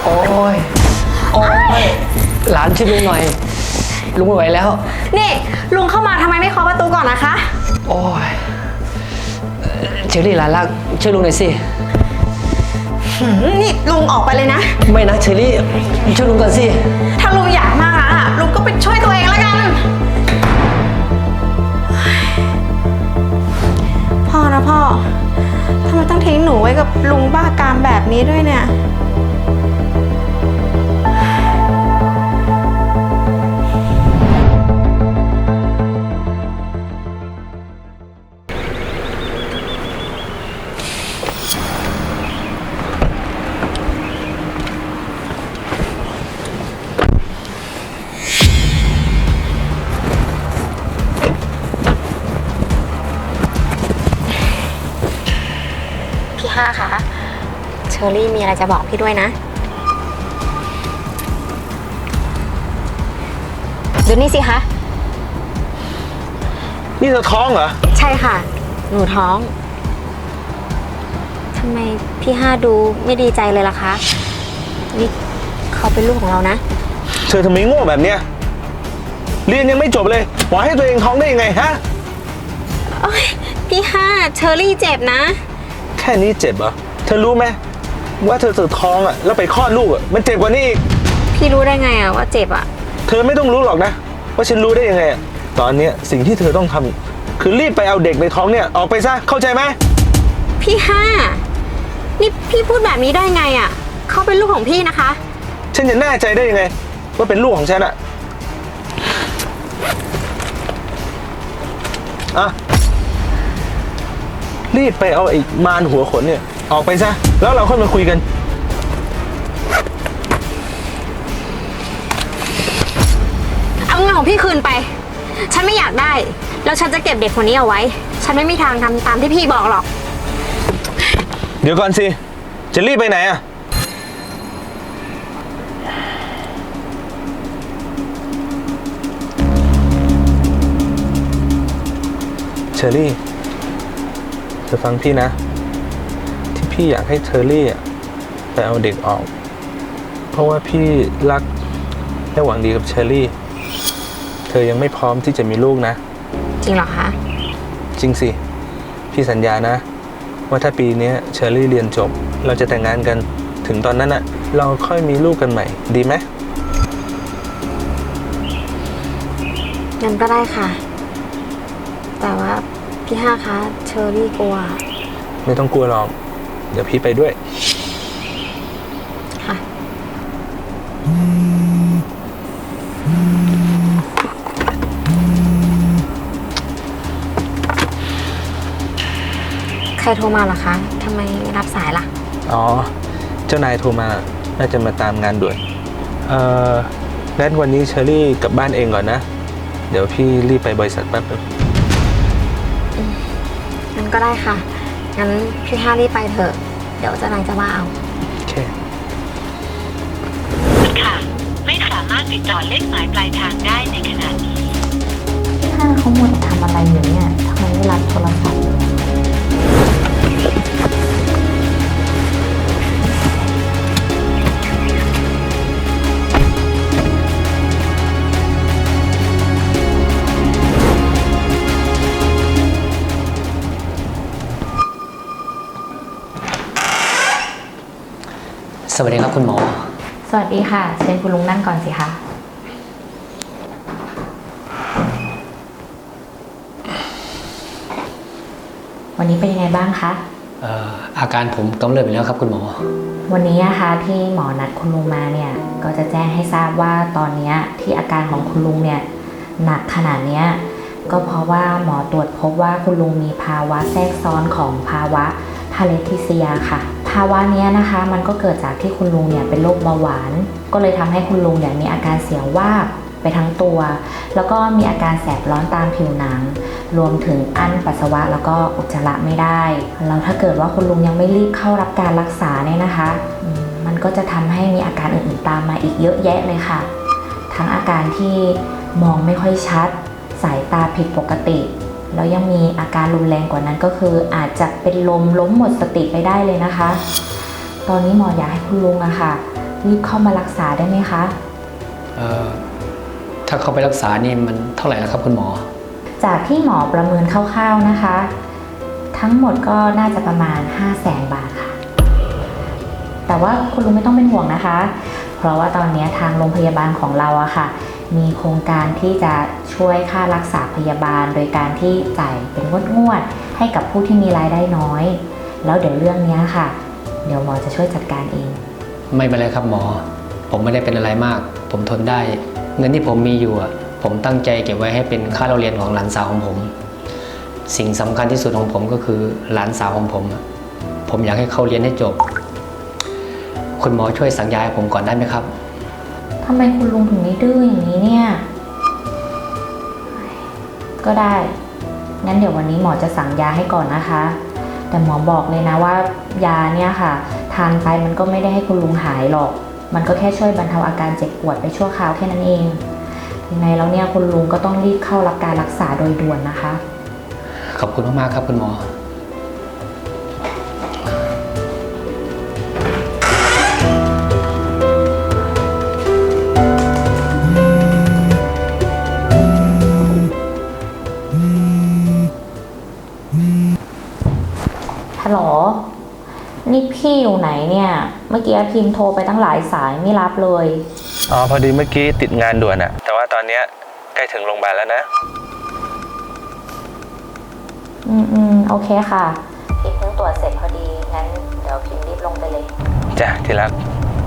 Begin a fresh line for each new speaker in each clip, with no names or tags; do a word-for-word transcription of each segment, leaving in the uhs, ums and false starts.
โอ้ยโอ้ยหลานช่วยลุงหน่อยลุงไม่ไหวแล้ว
นี่ลุงเข้ามาทำไมไม่เคาะประตูก่อนนะคะ
โอ้ยเชอรี่หลานรักช่วยลุงหน่อยสิ
นี่ลุงออกไปเลยนะ
ไม่นะเชอรี่ช่วยลุงก่อนสิ
ถ้าลุงอยากมากอะลุงก็ไปช่วยตัวเองแล้วกันพ่อนะพ่อทำไมต้องทิ้งหนูไว้กับลุงบ้ากามแบบนี้ด้วยเนี่ยพี่ห้าคะเชอรี่มีอะไรจะบอกพี่ด้วยนะดูนี่สิคะ
นี่เธอท้องเหรอ
ใช่ค่ะหนูท้องทำไมพี่ห้าดูไม่ดีใจเลยล่ะคะนี่เขาเป็นลูกของเรานะ
เธอทำไมโง่แบบเนี้ยเรียนยังไม่จบเลยปล่อยให้ตัวเองท้องได้ยังไงฮะ
โอ๊ยพี่ห้าเชอรี่เจ็บนะ
แค่นี้เจ็บเหรอเธอรู้ไหมว่าเธอเธอท้องอ่ะแล้วไปคลอดลูกอ่ะมันเจ็บกว่านี้อีก
พี่รู้ได้ไงอ่ะว่าเจ็บอ่ะ
เธอไม่ต้องรู้หรอกนะว่าฉันรู้ได้ยังไงอ่ะตอนนี้สิ่งที่เธอต้องทำคือรีบไปเอาเด็กในท้องเนี่ยออกไปซะเข้าใจไหม
พี่ห้านี่พี่พูดแบบนี้ได้ไงอ่ะเขาเป็นลูกของพี่นะคะ
ฉันจะแน่ใจได้ยังไงว่าเป็นลูกของฉันอ่ะอ่ะรีบไปเอาไอ้มารหัวขนเนี่ยออกไปซะแล้วเราค่อยมาคุยกัน
เอาเงินของพี่คืนไปฉันไม่อยากได้แล้วฉันจะเก็บเด็กคนนี้เอาไว้ฉันไม่มีทางทำตามที่พี่บอกหรอก
เดี๋ยวก่อนสิจะรีบไปไหนอ่ะเชอรี่เธอฟังพี่นะที่พี่อยากให้เชอรี่ไปเอาเด็กออกเพราะว่าพี่รักและหวังดีกับเชอรี่เธอยังไม่พร้อมที่จะมีลูกนะ
จริงเหรอคะ
จริงสิพี่สัญญานะว่าถ้าปีนี้เชอรี่เรียนจบเราจะแต่งงานกันถึงตอนนั้นน่ะเราค่อยมีลูกกันใหม่ดีไหม
งั้นก็ได้ค่ะแต่ว่าพี่ห้าคะเชอรี่กลัว
ไม่ต้องกลัวหรอกเดี๋ยวพี่ไปด้วย
ค่ะใครโทรมาเหรอคะทำไมไม่รับสายล่ะ
อ๋อเจ้านายโทรมาน่าจะมาตามงานด่วนเอ่องั้นวันนี้เชอรี่กลับบ้านเองก่อนนะเดี๋ยวพี่รีบไปบริษัทแป๊บนึง
งั้นก็ได้ค่ะงั้นพี่ห้ารีบไปเถอะเดี๋ยวเจ้านายจะว่าเอา
โอเค
ค่ะไม่สามารถติดต่อเลขหมายปลายทางได้ในขณะนี้
พี่ห้าเขาหมดทำอะไรอยู่เนี่ยทำไมไม่รับโทรศัพท์
สวัสดีครับคุณหมอ
สวัสดีค่ะเชิญคุณลุงนั่งก่อนสิคะวันนี้เป็นยังไงบ้างคะ
เอ่ออาการผมกำเริบไปแล้วครับคุณหมอ
วันนี้นะคะที่หมอนัดคุณลุงมาเนี่ยก็จะแจ้งให้ทราบว่าตอนนี้ที่อาการของคุณลุงเนี่ยหนักขนาดนี้ก็เพราะว่าหมอตรวจพบว่าคุณลุงมีภาวะแทรกซ้อนของภาวะพาเลทิเซียค่ะภาวะนี้นะคะมันก็เกิดจากที่คุณลุงเนี่ยเป็นโรคเบาหวานก็เลยทำให้คุณลุงเนี่ยมีอาการเสียววาบไปทั้งตัวแล้วก็มีอาการแสบร้อนตามผิวหนังรวมถึงอั้นปัสสาวะแล้วก็อุจจาระไม่ได้แล้วถ้าเกิดว่าคุณลุงยังไม่รีบเข้ารับการรักษาเนี่ยนะคะมันก็จะทำให้มีอาการอื่นๆตามมาอีกเยอะแยะเลยค่ะทั้งอาการที่มองไม่ค่อยชัดสายตาผิดปกติแล้วยังมีอาการรุนแรงกว่านั้นก็คืออาจจะเป็นลมล้มหมดสติไปได้เลยนะคะตอนนี้หมออยากให้คุณลุงอะค่ะรีบเข้ามารักษาได้ไหมคะ
เอ่อถ้าเขาไปรักษานี่มันเท่าไหร่แล้วครับคุณหมอ
จากที่หมอประเมินคร่าวๆนะคะ ทั้งหมดก็น่าจะประมาณ ห้าแสน บาทค่ะ แต่ว่าคุณลุงไม่ต้องเป็นห่วงนะคะ เพราะว่าตอนนี้ทางโรงพยาบาลของเราอะค่ะ มีโครงการที่จะช่วยค่ารักษาพยาบาล โดยการที่จ่ายเป็นงวดๆให้กับผู้ที่มีรายได้น้อย แล้วเดี๋ยวเรื่องนี้ค่ะ เดี๋ยวหมอจะช่วยจัดการเอง
ไม่เป็นไรครับหมอ ผมไม่ได้เป็นอะไรมาก ผมทนได้ เงินที่ผมมีอยู่อะผมตั้งใจเก็บไว้ให้เป็นค่าเราเรียนของหลานสาวของผม สิ่งสำคัญที่สุดของผมก็คือหลานสาวของผมอะผมอยากให้เขาเรียนให้จบ คุณหมอช่วยสั่งยาให้ผมก่อนได้ไหมครับ
ทำไมคุณลุงถึงได้ดื้ออย่างนี้เนี่ย ก็ได้ งั้นเดี๋ยววันนี้หมอจะสั่งยาให้ก่อนนะคะ แต่หมอบอกเลยนะว่ายาเนี่ยค่ะ ทานไปมันก็ไม่ได้ให้คุณลุงหายหรอก มันก็แค่ช่วยบรรเทาอาการเจ็บปวดไปชั่วคราวแค่นั้นเอง ยังไงแล้วเนี่ยคุณลุงก็ต้องรีบเข้ารับการรักษาโดยด่วนนะคะ
ขอบคุณมากๆครับคุณหมอ
ฮัลโหล นี่พี่อยู่ไหนเนี่ย เมื่อกี้พิมพ์โทรไปตั้งหลายสายไม่รับเลย
อ๋อพอดีเมื่อกี้ติดงานด่วนอะแต่ว่าตอนเนี้ยใกล้ถึงโรงพยาบาลแล้วนะ
อืมอืมโอเคค่ะ พิมพ์เพิ่งตรวจเสร็จพอดี งั้นเดี๋ยวพิมพ์รีบลงไปเลย
จ้ะที่รัก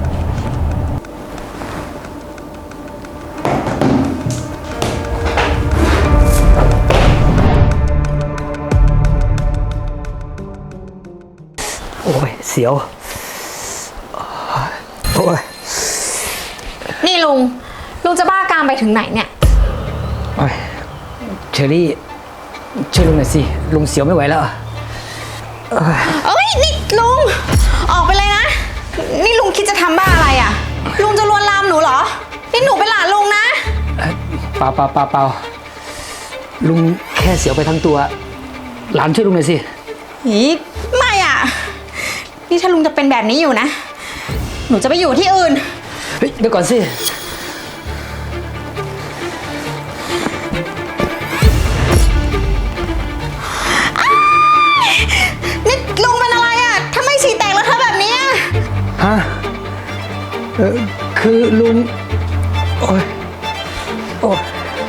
โอ้ยเสียว โอ้ย
นี่ลุง ลุงจะบ้ากามไปถึงไหนเนี่ย
โอ้ยเชอรี่ช่วยลุงหน่อยสิ ลุงเสียวไม่ไหวแล้ว
เอ้ย นี่ลุง ออกไปเลยนะ นี่ลุงคิดจะทำบ้าอะไรอ่ะ ลุงจะลวนลามหนูเหรอ นี่หนูเป็นหลานลุงนะ
เปล่าเปล่าเปล่าเปล่าลุงแค่เสียวไปทั้งตัว หลานช่วยลุงหน่อยสิ
อีไม่อ่ะ นี่ถ้าลุงจะเป็นแบบนี้อยู่นะ หนูจะไปอยู่ที่อื่น
เฮ้ยเดี๋ยวก่อนสิ
นี่ลุงเป็นอะไรอ่ะทำไมฉี่แตกแล้วเธอแบบนี้อะ
ฮะ เออคือลุง โอ้ย โอ้ย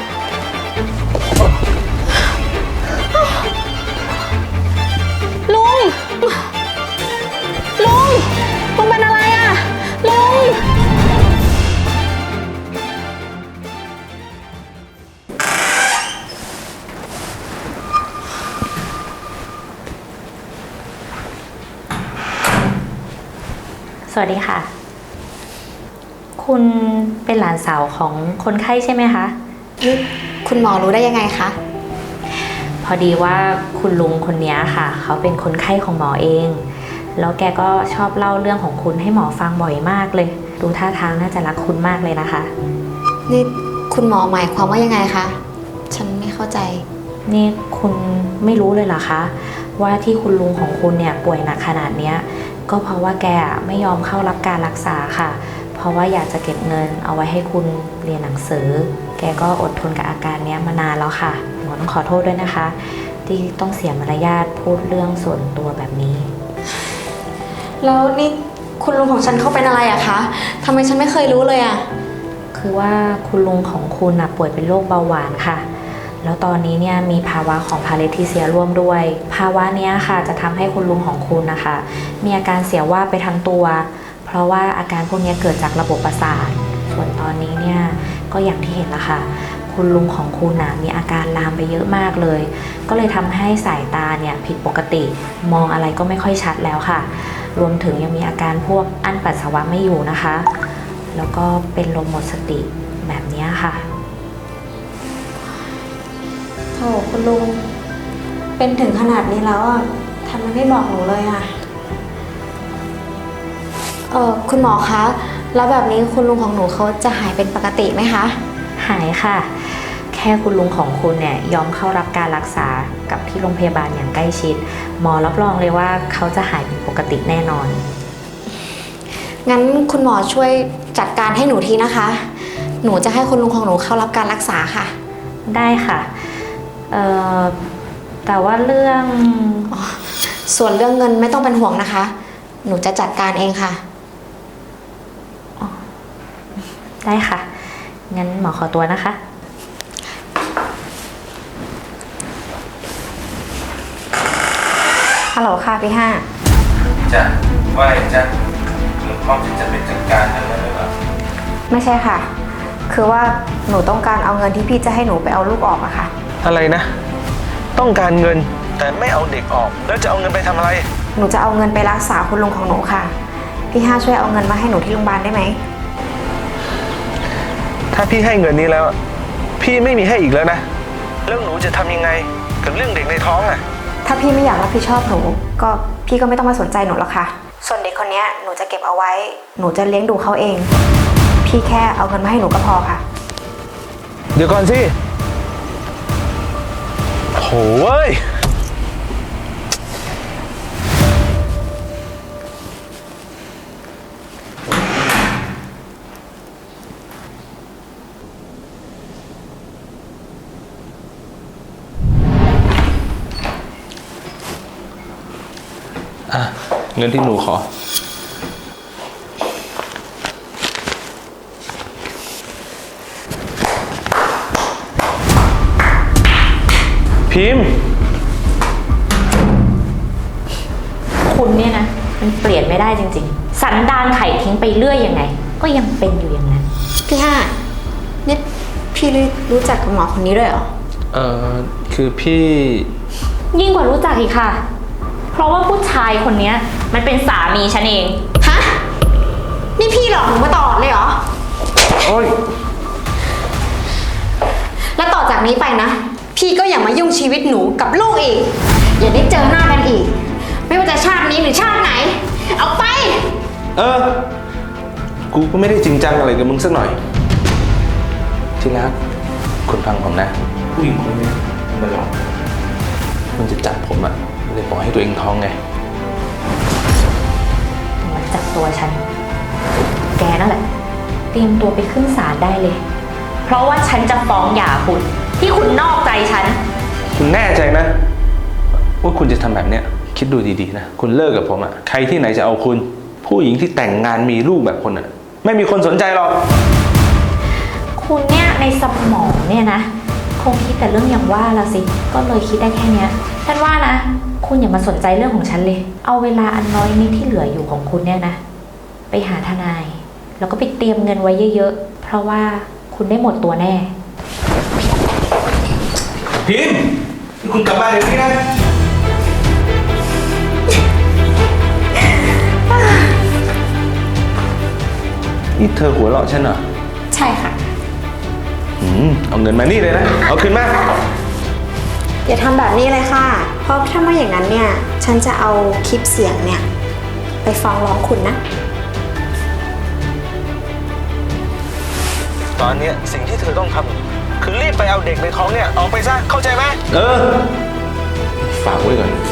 ลุง ลุง ลุงเป็นอะไรอ่ะ ลุง
สวัสดีค่ะ คุณเป็นหลานสาวของคนไข้ใช่ไหมคะ
นี่คุณหมอรู้ได้ยังไงคะ
พอดีว่าคุณลุงคนนี้ค่ะ เขาเป็นคนไข้ของหมอเอง แล้วแกก็ชอบเล่าเรื่องของคุณให้หมอฟังบ่อยมากเลย ดูท่าทางน่าจะรักคุณมากเลยนะคะ
นี่คุณหมอหมายความว่ายังไงคะ ฉันไม่เข้าใจ
นี่คุณไม่รู้เลยเหรอคะ ว่าที่คุณลุงของคุณเนี่ยป่วยหนักขนาดเนี้ยก็เพราะว่าแกไม่ยอมเข้ารับการรักษาค่ะ เพราะว่าอยากจะเก็บเงินเอาไว้ให้คุณเรียนหนังสือ แกก็อดทนกับอาการเนี้ยมานานแล้วค่ะหมอต้องขอโทษด้วยนะคะ ที่ต้องเสียมารยาทพูดเรื่องส่วนตัวแบบนี้
แล้วนี่คุณลุงของฉันเขาเป็นอะไรอะคะทำไมฉันไม่เคยรู้เลยอะ
คือว่าคุณลุงของคุณนะป่วยเป็นโรคเบาหวานค่ะ แล้วตอนนี้เนี่ยมีภาวะของพาเลทิเซียร่วมด้วย ภาวะเนี้ยค่ะจะทำให้คุณลุงของคุณนะคะมีอาการเสียว่าบไปทั้งตัว เพราะว่าอาการพวกนี้เกิดจากระบบประสาท ส่วนตอนนี้เนี่ยก็อย่างที่เห็นละค่ะ คุณลุงของคุณนะมีอาการลามไปเยอะมากเลย ก็เลยทำให้สายตาเนี่ยผิดปกติ มองอะไรก็ไม่ค่อยชัดแล้วค่ะ รวมถึงยังมีอาการพวกอั้นปัสสาวะไม่อยู่นะคะ แล้วก็เป็นลมหมดสติแบบนี้ค่ะ
โถคุณลุง เป็นถึงขนาดนี้แล้วอะทำไมไม่บอกหนูเลยอะเออคุณหมอคะ แล้วแบบนี้คุณลุงของหนูเขาจะหายเป็นปกติไหมคะ
หายค่ะ แค่คุณลุงของคุณเนี่ยยอมเข้ารับการรักษากับที่โรงพยาบาลอย่างใกล้ชิด หมอรับรองเลยว่าเขาจะหายเป็นปกติแน่นอน
งงั้นคุณหมอช่วยจัดการให้หนูทีนะคะ หนูจะให้คุณลุงของหนูเข้ารับการรักษาค่ะ
ได้ค่ะเอ่อแต่ว่าเรื่อง
ส่วนเรื่องเงินไม่ต้องเป็นห่วงนะคะ หนูจะจัดการเองค่ะ
ได้ค่ะ งั้นหมอขอตัวนะคะ
ฮัลโหลค่ะพี่ห้า
จ้ะว่าไงจ้ะคุณพร้อมที่จะไปจัดการนั้นหรือเปล่า
ไม่ใช่ค่ะ คือว่าหนูต้องการเอาเงินที่พี่จะให้หนูไปเอาลูกออกอะค่ะ
อะไรนะ ต้องการเงินแต่ไม่เอาเด็กออก แล้วจะเอาเงินไปทำอะไร
หนูจะเอาเงินไปรักษาคุณลุงของหนูค่ะ พี่ห้าช่วยเอาเงินมาให้หนูที่โรงพยาบาลได้ไหม
ถ้าพี่ให้เงินนี้แล้ว พี่ไม่มีให้อีกแล้วนะแล้วหนูจะทำยังไงกับเรื่องเด็กในท้องอ่ะ
ถ้าพี่ไม่อยากรับผิดชอบหนู ก็พี่ก็ไม่ต้องมาสนใจหนูหรอกค่ะ ส่วนเด็กคนนี้หนูจะเก็บเอาไว้ หนูจะเลี้ยงดูเขาเอง พี่แค่เอาเงินมาให้หนูก็พอค่ะ
เดี๋ยวก่อนสิโหเว้ย อ่ะ เงินที่หนูขอ พิมพ์
คุณเนี่ยนะ มันเปลี่ยนไม่ได้จริงๆ สันดานไข่ทิ้งไปเรื่อยยังไง ก็ยังเป็นอยู่อย่างนั้น
พี่ห้านี่พี่รู้จักกับหมอคนนี้ด้วยเหรอ
เอ่อ คือพี่
ยิ่งกว่ารู้จักอีกค่ะ เพราะว่าผู้ชายคนเนี้ยมันเป็นสามีฉันเอง
ฮะ นี่พี่หลอกหนูมาตลอดเลยเหรอ
โอ๊ย
แล้วต่อจากนี้ไปนะ พี่ก็อย่ามายุ่งชีวิตหนูกับลูกอีก อย่าได้เจอหน้ากันอีก ไม่ว่าจะชาตินี้หรือชาติไหน เอาไป
เออ กูก็ไม่ได้จริงจังอะไรกับมึงสักหน่อย ที่รักคุณฟังผมนะ ผู้หญิงคนนี้มันหลอกมันจะจับผมอะเลยปล่อยให้ตัวเองท้องไง
มาจับตัวฉัน แกนั่นแหละ เตรียมตัวไปขึ้นศาลได้เลย เพราะว่าฉันจะฟ้องหย่าคุณ ที่คุณนอกใจฉัน
คุณแน่ใจนะ ว่าคุณจะทำแบบเนี้ย คิดดูดีๆนะ คุณเลิกกับผมอะใครที่ไหนจะเอาคุณ ผู้หญิงที่แต่งงานมีลูกแบบคนอะไม่มีคนสนใจหรอก
คุณเนี่ยในสมองเนี่ยนะ คงคิดแต่เรื่องอย่างว่าละสิ ก็เลยคิดได้แค่เนี้ยฉันว่านะ คุณอย่ามาสนใจเรื่องของฉันเลย เอาเวลาอันน้อยนิดที่เหลืออยู่ของคุณเนี่ยนะ ไปหาทนาย แล้วก็ไปเตรียมเงินไว้เยอะๆ เพราะว่าคุณได้หมดตัวแน่
พิมพ์คุณกลับมาเดี๋ยวนี้นะ นี่เธอหัวเราะฉันเหรอ
ใช่ค่ะ
อืมเอาเงินมานี่เลยนะ เอาคืนมา
อย่าทำแบบนี้เลยค่ะ เพราะถ้าไม่อย่างนั้นเนี่ย ฉันจะเอาคลิปเสียงเนี่ย ไปฟ้องร้องคุณนะ
ตอนเนี้ยสิ่งที่เธอต้องทำคือรีบไปเอาเด็กในท้องเนี่ยออกไปซะ เข้าใจไหม เออ ฝากไว้ก่อน